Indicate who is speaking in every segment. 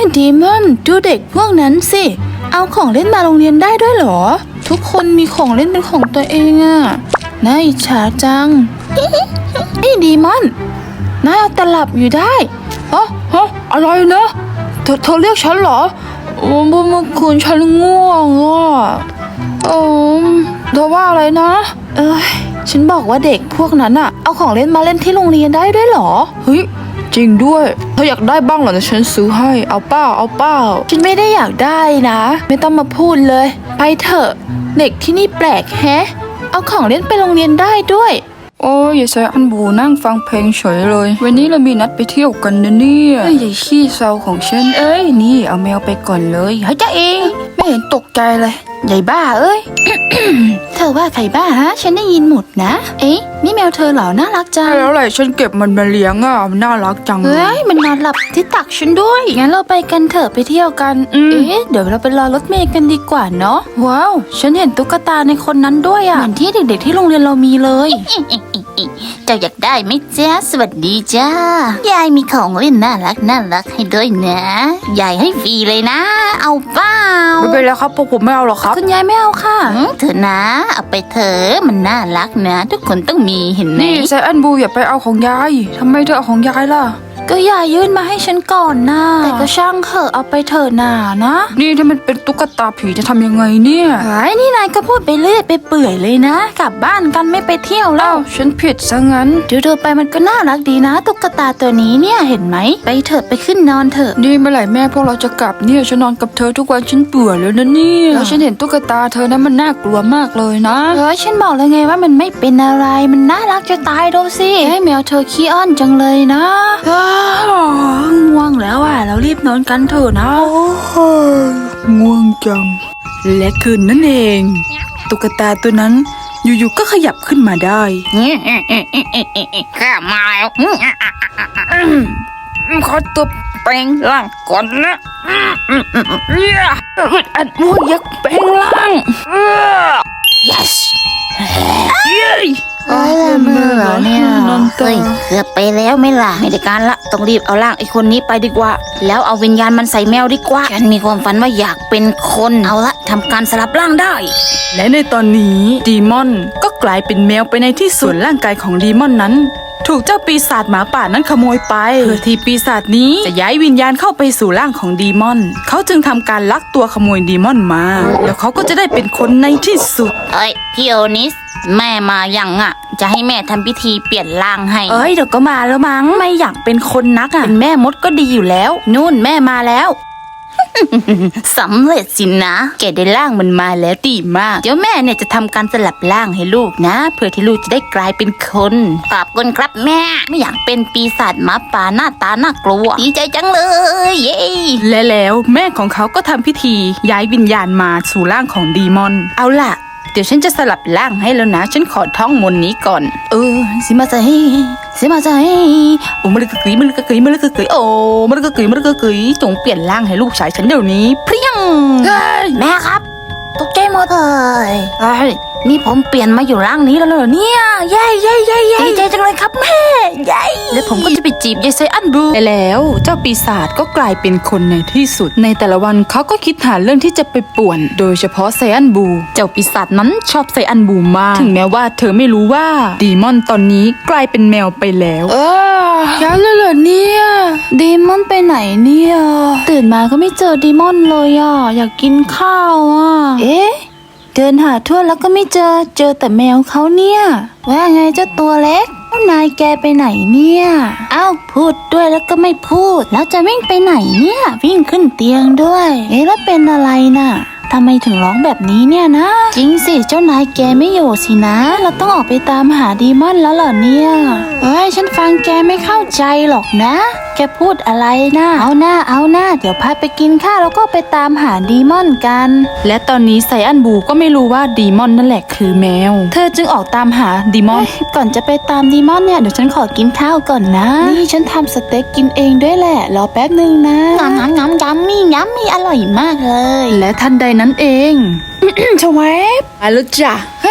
Speaker 1: ดีมอนดูเด็กพวกนั้นสิเอาของเล่นมาโรงเรียนได้ด้วยเหรอทุกคนมีของเล่นเป็นของตัวเองอะน่าอิจฉาจังนี่ดีมอนนายเอาแต่หลับอยู่ได้ฮะอะไรนะเธอเรียกฉันเหรอเมื่อคืนฉันง่วงเธอว่าอะไรนะฉันบอกว่าเด็กพวกนั้นอะเอาของเล่นมาเล่นที่โรงเรียนได้ด้วยเหรอเฮ้ยจริงด้วยเธออยากได้บ้างเหรอฉันซื้อให้เอาเปล่าฉันไม่ได้อยากได้นะไม่ต้องมาพูดเลยไปเถอะเด็กที่นี่แปลกแฮะเอาของเล่นไปโรงเรียนได้ด้วย
Speaker 2: โอ้ยอย่าใส่อันบูนั่งฟังเพลงเฉยเลยวันนี้เรามีนัดไปเที่ยวกันนะเนี่ยไอ้ขี้เศร้าของฉันนี่เอาแมวไปก่อนเลยเฮ้ยจ้าเองไม่เห็นตกใจเลยใหญ่บ้า
Speaker 1: เธอว่าใครบ้าฮะฉันได้ยินหมดนะนี่แมวเธอเหรอน่ารักจัง
Speaker 2: แล้วอะไรฉันเก็บมันมาเลี้ยงมันน่ารักจัง
Speaker 1: มันนอนหลับที่ตักฉันด้วยงั้นเราไปกันเถอะไปเที่ยวกันเดี๋ยวเราไปรอรถเมล์กันดีกว่าเนาะว้าวฉันเห็นตุ๊กตาในคนนั้นด้วยเหมือนที่เด็กๆที่โรงเรียนเรามีเลย
Speaker 3: เจ้าอยากได้ไหมจ๊ะสวัสดีจ้ายายมีของเล่นน่ารักให้ด้วยนะยายให้ฟรีเลยนะเอาเปล่า
Speaker 2: ไม่เป็นไรครับพวกผมไม่เอาหรอกครับ
Speaker 1: คุณยายไม่เอาค่ะ
Speaker 3: เถอะนะเอาไปเถอะมันน่ารักนะทุกคนต้องมีเห็นไหม
Speaker 2: นี่ไซแอนบูอย่าไปเอาของยายทำไมเธอเอาของยายล่ะ
Speaker 1: ก็ยายยื่นมาให้ฉันก่อนนะแต่ก็ช่างเถอะเอาไปเถอะนะ
Speaker 2: นี่ถ้ามันเป็นตุ๊กตาผีจะทำยังไงเนี่ย
Speaker 1: นี่นายก็พูดไปเรื่อยไปเปื่อยเลยนะกลับบ้านกันไม่ไปเที่ยวแล้ว
Speaker 2: ฉันผิดซะงั้น
Speaker 1: ดูไปมันก็น่ารักดีนะตุ๊กตาตัวนี้เนี่ยเห็นไหมไปเถอะไปขึ้นนอนเถอะ
Speaker 2: นี่เมื่อไหร่แม่พวกเราจะกลับเนี่ยฉันนอนกับเธอทุกวันฉันเบื่อแล้วนะเนี่ยแล้วฉันเห็นตุ๊กตาเธอนั้นมันน่ากลัวมากเลยนะ
Speaker 1: ฉันบอกแล้วไงว่ามันไม่เป็นอะไรมันน่ารักจะตายดูสิแมวเธอขี้อ้อนจังเลยนะง่วงแล้วเรารีบนอนกันเถอะนะ
Speaker 2: ง่วงจังและคืนนั่นเองตุ๊กตาตัวนั้นอยู่ๆก็ขยับขึ้นมาได้
Speaker 3: ข้ามาแล้ว
Speaker 2: ขอตัวแปลงร่างก่อนนะอัดม่วงยักษ์แปลงร่าง
Speaker 3: yes
Speaker 1: เมื่อเนี่ย
Speaker 3: เฮ้ยเกือบไปแล้วไม่ล่ะไม่ได้การละต้องรีบเอาร่างไอ้คนนี้ไปดีกว่าแล้วเอาวิญญาณมันใส่แมวดีกว่าฉันมีความฝันว่าอยากเป็นคนเอาละทำการสลับร่างได้
Speaker 2: และในตอนนี้ดีมอนก็กลายเป็นแมวไปในที่ส่วนร่างกายของดีมอนนั้นถูกเจ้าปีศาจหมาป่านั้นขโมยไปเพื่อที่ปีศาจนี้จะย้ายวิญญาณเข้าไปสู่ร่างของดีมอนเขาจึงทำการลักตัวขโมยดีมอนมาแล้วเขาก็จะได้เป็นคนในที่สุด
Speaker 3: พี่โอนิสแม่มายังจะให้แม่ทำพิธีเปลี่ยนร่างให้
Speaker 1: เดี๋ยวก็มาแล้วมั้งไม่อยากเป็นคนนักเป็นแม่มดก็ดีอยู่แล้วนู่นแม่มาแล้ว
Speaker 3: สำเร็จสินะแกได้ร่างมันมาแล้วดีมากเดี๋ยวแม่เนี่ยจะทำการสลับร่างให้ลูกนะเพื่อที่ลูกจะได้กลายเป็นคนขอบคุณครับแม่ไม่อยากเป็นปีศาจหมาป่าหน้าตาน่ากลัวดีใจจังเลยเย้
Speaker 2: และแล้วแม่ของเขาก็ทำพิธีย้ายวิญญาณมาสู่ร่างของดีมอนเอาล่ะเดี๋ยวฉันจะสลับร่างให้แล้วนะฉันขอท่องมนต์นี้ก่อน
Speaker 1: สิมาใจ
Speaker 2: โอ้มันกึกกึ๋ยมันกึกกึ๋ยมันกึกกึ๋ยโอ้มันกึกกึ๋ยมันกึกกึ๋ยจงเปลี่ยนร่างให้ลูกชายฉันเดี๋ยวนี้เพียง
Speaker 3: แม่ครับตกใจหมดนี่ผมเปลี่ยนมาอยู่ร่างนี้แล้วเหรอเนี่ยเย้ดีใจจังเลยครับแม่เย้
Speaker 2: และผมก็จะไปจีบยายไซอันบูไปแล้วเจ้าปีศาจก็กลายเป็นคนในที่สุดในแต่ละวันเขาก็คิดหาเรื่องที่จะไปป่วนโดยเฉพาะไซอันบูเจ้าปีศาจนั้นชอบไซอันบูมากถึงแม้ว่าเธอไม่รู้ว่าดีมอนตอนนี้กลายเป็นแมวไปแล้ว
Speaker 1: ยันเลยเหรอเนี่ยดีมอนไปไหนเนี่ยตื่นมาก็ไม่เจอดีมอนเลยอยากกินข้าวเดินหาทั่วแล้วก็ไม่เจอแต่แมวเขาเนี่ยว่าไงเจ้าตัวเล็กนายแกไปไหนเนี่ยพูดด้วยแล้วก็ไม่พูดแล้วจะวิ่งไปไหนเนี่ยวิ่งขึ้นเตียงด้วยแล้วเป็นอะไรน่ะทำไมถึงร้องแบบนี้เนี่ยนะจริงสิเจ้านายแกไม่อยู่สินะเราต้องออกไปตามหาดีมอนแล้วเหรอเนี่ยฉันฟังแกไม่เข้าใจหรอกนะแกพูดอะไรนะเอาหน้าเดี๋ยวพาไปกินข้าวแล้วก็ไปตามหาดีมอนกัน
Speaker 2: และตอนนี้ไซอันบูก็ไม่รู้ว่าดีมอนนั่นแหละคือแมวเธอจึงออกตามหาดีมอน
Speaker 1: ก่อนจะไปตามดีมอนเนี่ยเดี๋ยวฉันขอกินข้าวก่อนนะนี่ฉันทำสเต็กกินเองด้วยแหละรอแป๊บนึงนะ
Speaker 3: ย้ำอร่อยมากเลย
Speaker 2: และทันใดนั้นเอง
Speaker 1: ชวบ
Speaker 2: มาแล้วจ้ะ
Speaker 1: เฮ้ย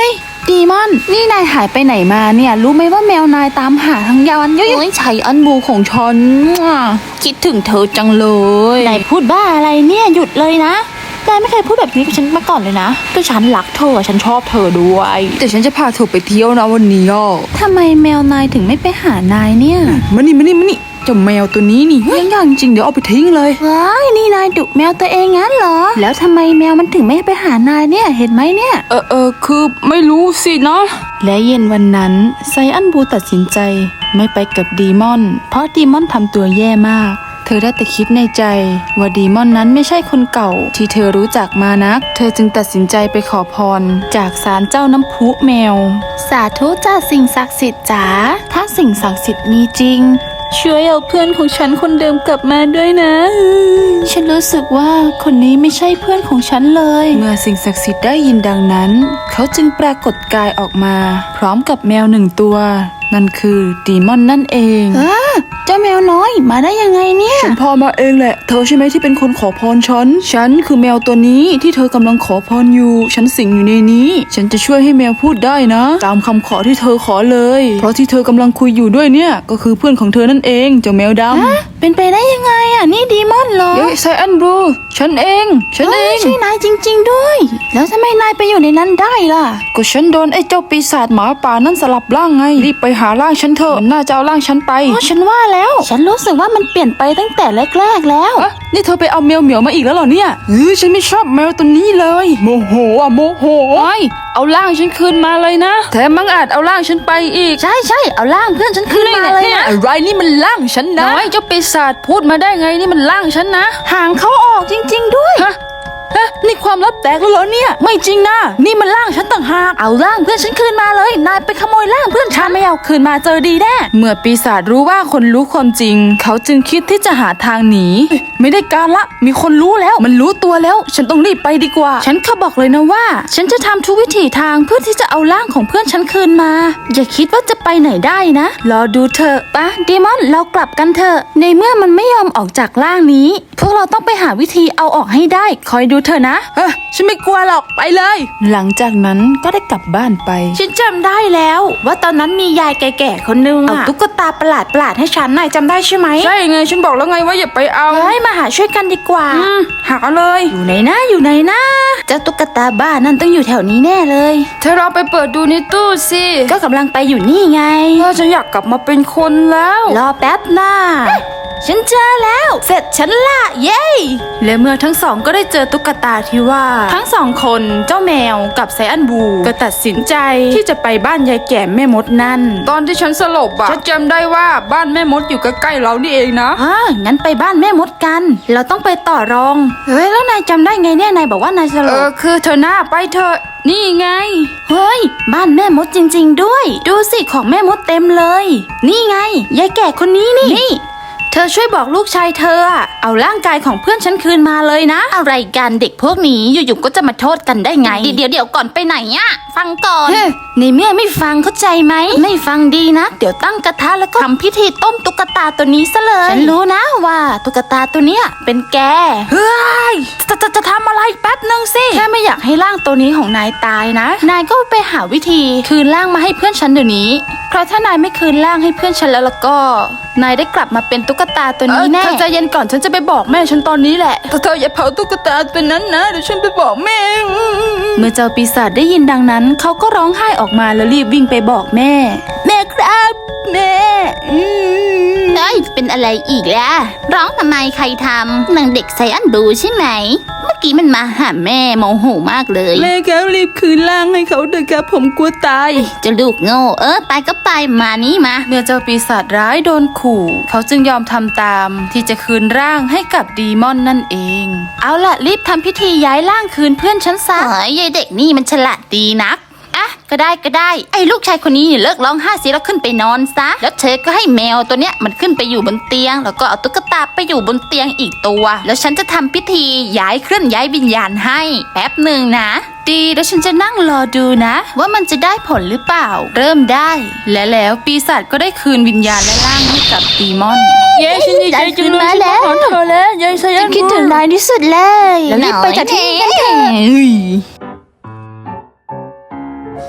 Speaker 1: ดีมอนนี่นายหายไปไหนมาเนี่ยรู้ไหมว่าแมวนายตามหาทั้งยานโอ้ยไฉอันบูของฉันคิดถึงเธอจังเลยนายพูดบ้าอะไรเนี่ยหยุดเลยนะนายไม่เคยพูดแบบนี้กับฉันมาก่อนเลยนะก็ฉันรักเธอฉันชอบเธอด้วยแต่ฉันจะพาเธอไปเที่ยวนะวันนี้อ่ะทำไมแมวนายถึงไม่ไปหานายเนี่ยมานี่เจ้าแมวตัวนี้นี่ยังอย่างจริงเดี๋ยวเอาไปทิ้งเลยว้ายนี่นายดุแมวตัวเองงั้นเหรอแล้วทำไมแมวมันถึงไม่ไปหานายเนี่ยเห็นไหมเนี่ย
Speaker 2: คือไม่รู้สินะ
Speaker 1: และเย็นวันนั้นไซอันบูตัดสินใจไม่ไปกับดีมอนเพราะดีมอนทำตัวแย่มากเธอได้แต่คิดในใจว่าดีมอนนั้นไม่ใช่คนเก่าที่เธอรู้จักมานักเธอจึงตัดสินใจไปขอพรจากศาลเจ้าน้ำพุแมวสาธุจ้าสิ่งศักดิ์สิทธิ์จ๋าถ้าสิ่งศักดิ์สิทธิ์มีจริงช่วยเอาเพื่อนของฉันคนเดิมกลับมาด้วยนะฉันรู้สึกว่าคนนี้ไม่ใช่เพื่อนของฉันเลยเมื่อสิ่งศักดิ์สิทธิ์ได้ยินดังนั้นเขาจึงปรากฏกายออกมาพร้อมกับแมว1 ตัวนั่นคือดีมอนนั่นเองเจ้าแมวน้อยมาได้ยังไงเนี่ยฉันพามาเองแหละเธอใช่ไหมที่เป็นคนขอพรฉันคือแมวตัวนี้ที่เธอกำลังขอพรอยู่ฉันสิงอยู่ในนี้ฉันจะช่วยให้แมวพูดได้นะตามคำขอที่เธอขอเลยเพราะที่เธอกำลังคุยอยู่ด้วยเนี่ยก็คือเพื่อนของเธอนั่นเองเจ้าแมวดำเป็นไปได้ยังไงอ่ะนี่ดีมอนเหรอไซอันบรูฉันเองใช่นายจริงๆด้วยแล้วทำไมนายไปอยู่ในนั้นได้ล่ะก็ฉันโดนไอ้เจ้าปีศาจหมาป่านั่นสลับร่างไงรีบไปหาร่างฉันเถอะมันน่าจะเอาร่างฉันไปฉันว่าแล้วฉันรู้สึกว่ามันเปลี่ยนไปตั้งแต่แรกๆแล้วนี่เธอไปเอาแมวเหมียวมาอีกแล้วเหรอเนี่ยฉันไม่ชอบแมวตัวนี้เลยโมโหเอาร่างฉันคืนมาเลยนะแถมมังอาจเอาร่างฉันไปอีกใช่เอาร่างเพื่อนฉันคืนมาเลยนะอะไรนี่มันร่างฉันนะน้อยเจ้าปีศาจพูดมาได้ไงนี่มันร่างฉันนะหางเขาออกจริงๆด้วยนี่ความลับแตกแล้วเหรอเนี่ยไม่จริงนะนี่มันร่างฉันต่างหากเอาร่างเพื่อนฉันคืนมาเลยนายไปขโมยร่างเพื่อนฉันไม่เอาคืนมาเจอดีแน่เมื่อปีศาจรู้ว่าคนรู้ความจริงเขาจึงคิดที่จะหาทางหนีไม่ได้การละมีคนรู้แล้วมันรู้ตัวแล้วฉันต้องรีบไปดีกว่าฉันเขาบอกเลยนะว่าฉันจะทำทุกวิถีทางเพื่อที่จะเอาร่างของเพื่อนฉันคืนมาอย่าคิดว่าจะไปไหนได้นะรอดูเถอะปะดีมอนเรากลับกันเถอะในเมื่อมันไม่ยอมออกจากร่างนี้พวกเราต้องไปหาวิธีเอาออกให้ได้คอยดูเถอะนะฉันไม่กลัวหรอกไปเลยหลังจากนั้นก็ได้กลับบ้านไปฉันจำได้แล้วว่าตอนนั้นมียายแก่ๆคนนึงเอาตุ๊กตาประหลาดให้ฉันนายจำได้ใช่ไหมใช่ไงฉันบอกแล้วไงว่าอย่าไปเอามาหาช่วยกันดีกว่าหาเลยอยู่ไหนนะเจ้าตุ๊กตาบ้านั่นต้องอยู่แถวนี้แน่เลยเธอลองไปเปิดดูในตู้สิก็กำลังไปอยู่นี่ไงฉันอยากกลับมาเป็นคนแล้วรอแป๊บนะฉันเจอแล้วเสร็จฉันละเย้และเมื่อทั้งสองก็ได้เจอตุ๊กตาที่ว่าทั้ง2 คนเจ้าแมวกับไซอันบูก็ตัดสินใจที่จะไปบ้านยายแก่แม่มดนั่นตอนที่ฉันสลบอ่ะฉันจำได้ว่าบ้านแม่มดอยู่ใกล้ๆเรานี่เองนะงั้นไปบ้านแม่มดกันเราต้องไปต่อรองแล้วนายจำได้ไงเนี่ยนายบอกว่านายสลบคือเธอหน้าไปเถอะนี่ไงเฮ้ยบ้านแม่มดจริงๆด้วยดูสิของแม่มดเต็มเลยนี่ไงยายแก่คนนี้นี่เธอช่วยบอกลูกชายเธอเอาร่างกายของเพื่อนฉันคืนมาเลยนะอะไรกันเด็กพวกนี้อยู่ๆก็จะมาโทษกันได้ไงเดี๋ยวก่อนไปไหนอะฟังก่อนในเมื่อไม่ฟังเข้าใจไหมไม่ฟังดีนะเดี๋ยวตั้งกระทะแล้วก็ทำพิธีต้มตุ๊กตาตัวนี้ซะเลยฉันรู้นะว่าตุ๊กตาตัวเนี้ยเป็นแกเฮ้ยจะทำอะไรแป๊บนึงสิแค่ไม่อยากให้ร่างตัวนี้ของนายตายนะนายก็ไปหาวิธีคืนร่างมาให้เพื่อนฉันเดี๋ยวนี้เพราะถ้านายไม่คืนร่างให้เพื่อนฉันแล้วก็นายได้กลับมาเป็นตุ๊กตาตัวนี้แน่เธอใจเย็นก่อนฉันจะไปบอกแม่ฉันตอนนี้แหละเธออย่าเผาตุ๊กตาตัวนั้นนะเดี๋ยวฉันไปบอกแม่เมื่อเจ้าปีศาจได้ยินดังนั้นเขาก็ร้องไห้ออกมาแล้วรีบวิ่งไปบอกแม่ครับแม่
Speaker 3: เป็นอะไรอีกล่ะร้องทำไมใครทำนางเด็กไซอันบลูใช่ไหมเมื่อกี้มันมาหาแม่โมโหมากเลย
Speaker 2: แม่ครับรีบคืนร่างให้เขาเถอะครับผมกลัวตาย
Speaker 3: จะลูกโง่ไปก็ไปมานี่มา
Speaker 1: เมื่อเจ้าปีศาจร้ายโดนขู่เขาจึงยอมทำตามที่จะคืนร่างให้กับดีมอนนั่นเองเอาล่ะรีบทำพิธีย้ายร่างคืนเพื่อนฉันซะ
Speaker 3: ยายเด็กนี่มันฉลาดดีนักก็ได้ไอ้ลูกชายคนนี้เลิกร้องไห้สิแล้วขึ้นไปนอนซะแล้วเธอก็ให้แมวตัวเนี้ยมันขึ้นไปอยู่บนเตียงแล้วก็เอาตุ๊กตาไปอยู่บนเตียงอีกตัวแล้วฉันจะทำพิธีเคลื่อนย้ายวิญญาณให้แป๊บหนึ่งนะ
Speaker 1: ดีแล้วฉันจะนั่งรอดูนะว่ามันจะได้ผลหรือเปล่าเริ่มได้และแล้วปีศาจก็ได้คืนวิญญาณและร่างให้กับดีมอน
Speaker 2: เย้ฉันดีใจจังเลยฉันมาขอเธอแล้วยายไซอัน
Speaker 1: คิดถึงนายที่สุดเลยแล้วรีบไปจากที่นี่กันเถอะ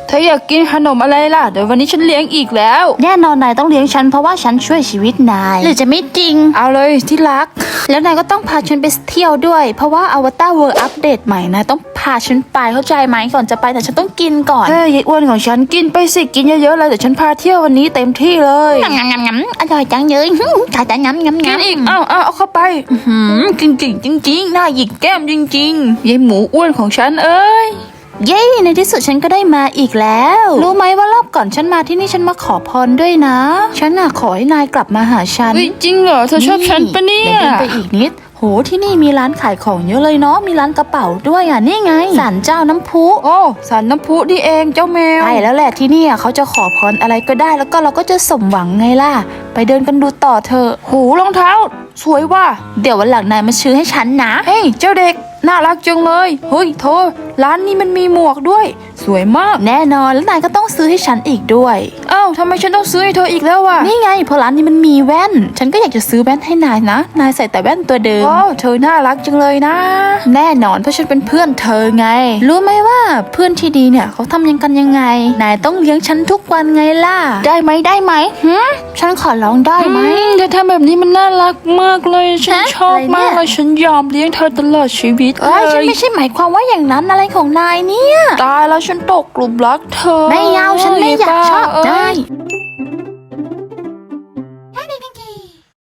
Speaker 1: เธออยากกินขนมอะไรล่ะเดี๋ยววันนี้ฉันเลี้ยงอีกแล้ว
Speaker 3: แน่นอนนายต้องเลี้ยงฉันเพราะว่าฉันช่วยชีวิตนายหรือจะไม่จริง
Speaker 1: เอาเลยที่รัก
Speaker 3: แล้วนายก็ต้องพาฉันไปเที่ยวด้วย เพราะว่าอวตารเวิร์อัปเดตใหม่นายต้องพาฉันไปเข้าใจไหมก่อนจะไปแต่ฉันต้องกินก่อน
Speaker 1: เฮ้ยยายอ้วนของฉันกินไปสิกินเยอะๆเลยเดี๋ยวฉันพาเที่ยววันนี้เต็มที่เลย
Speaker 3: งำงำงำอร่อยจังเลยถ่ายแต่งำงำ
Speaker 1: กิน
Speaker 3: งำ
Speaker 1: อีกเอาเข้าไปกินจริงๆหน้าหยิกแก้มจริงๆยายหมูอ้วนของฉันเอ้ย
Speaker 3: เย้ในที่สุดฉันก็ได้มาอีกแล้ว รู้ไหมว่ารอบก่อนฉันมาที่นี่ฉันมาขอพรด้วยนะ ฉันน่ะขอให้นายกลับมาหาฉัน
Speaker 1: เฮ้ยจริงเหรอเธอชอบฉันปะเนี่ย
Speaker 3: ดี๋วดินไปอีกนิดโหที่นี่มีร้านขายของเยอะเลยเนาะมีร้านกระเป๋าด้วยอ่ะนี่ไงศาลเจ้าน้ำพุ
Speaker 1: โอ้สารน้ำพุนี่เองเจ้าแมว
Speaker 3: ใช่แล้วแหละที่เนี่ยเขาจะขอพรอะไรก็ได้แล้วก็เราก็จะสมหวังไงล่ะไปเดินกันดูต่อเถอะ
Speaker 1: หูรองเท้า สวยว่ะ
Speaker 3: เดี๋ยววันหลังนายมาซื้อให้ฉันนะ
Speaker 1: เฮ้ยเจ้าเด็กน่ารักจังเลยเฮ้ยเธอร้านนี้มันมีหมวกด้วย สวยมาก
Speaker 3: แน่นอนแล้วนายก็ต้องซื้อให้ฉันอีกด้วย
Speaker 1: อ้าวทำไมฉันต้องซื้อให้เธออีกแล้ววะ
Speaker 3: นี่ไงเพราะร้านนี้มันมีแว่น ฉันก็อยากจะซื้อแว่นให้นายนะ นายใส่แต่แว่นตัวเดิม
Speaker 1: โอ้เธอน่ารักจังเลยนะ
Speaker 3: แน่นอนเพราะฉันเป็นเพื่อนเธอไง รู้ไหมว่าเพื่อนที่ดีเนี่ยเขาทำยังกันยังไง นายต้องเลี้ยงฉันทุกวันไงล่ะ ได้ไหมได้ไหมฉันขอร้องได้ไหม
Speaker 1: เธอทำแบบนี้มันน่ารักมากเลยฉัน
Speaker 3: ฮะ
Speaker 1: ชอบ
Speaker 3: อะไรเนี่ย
Speaker 1: มากเลยฉันยอมเลี้ยงเธอตลอดชีวิต
Speaker 3: เอ้ยฉัน
Speaker 1: เลย
Speaker 3: ไม่ใช่หมายความว่าอย่างนั้นอะไรของนายเนี่ย
Speaker 1: ตายแล้วฉันตกหลุมรักเธอ
Speaker 3: ไม่เอาฉันไม่อยากชอบ
Speaker 1: บ้
Speaker 3: ได้
Speaker 1: เอ้ย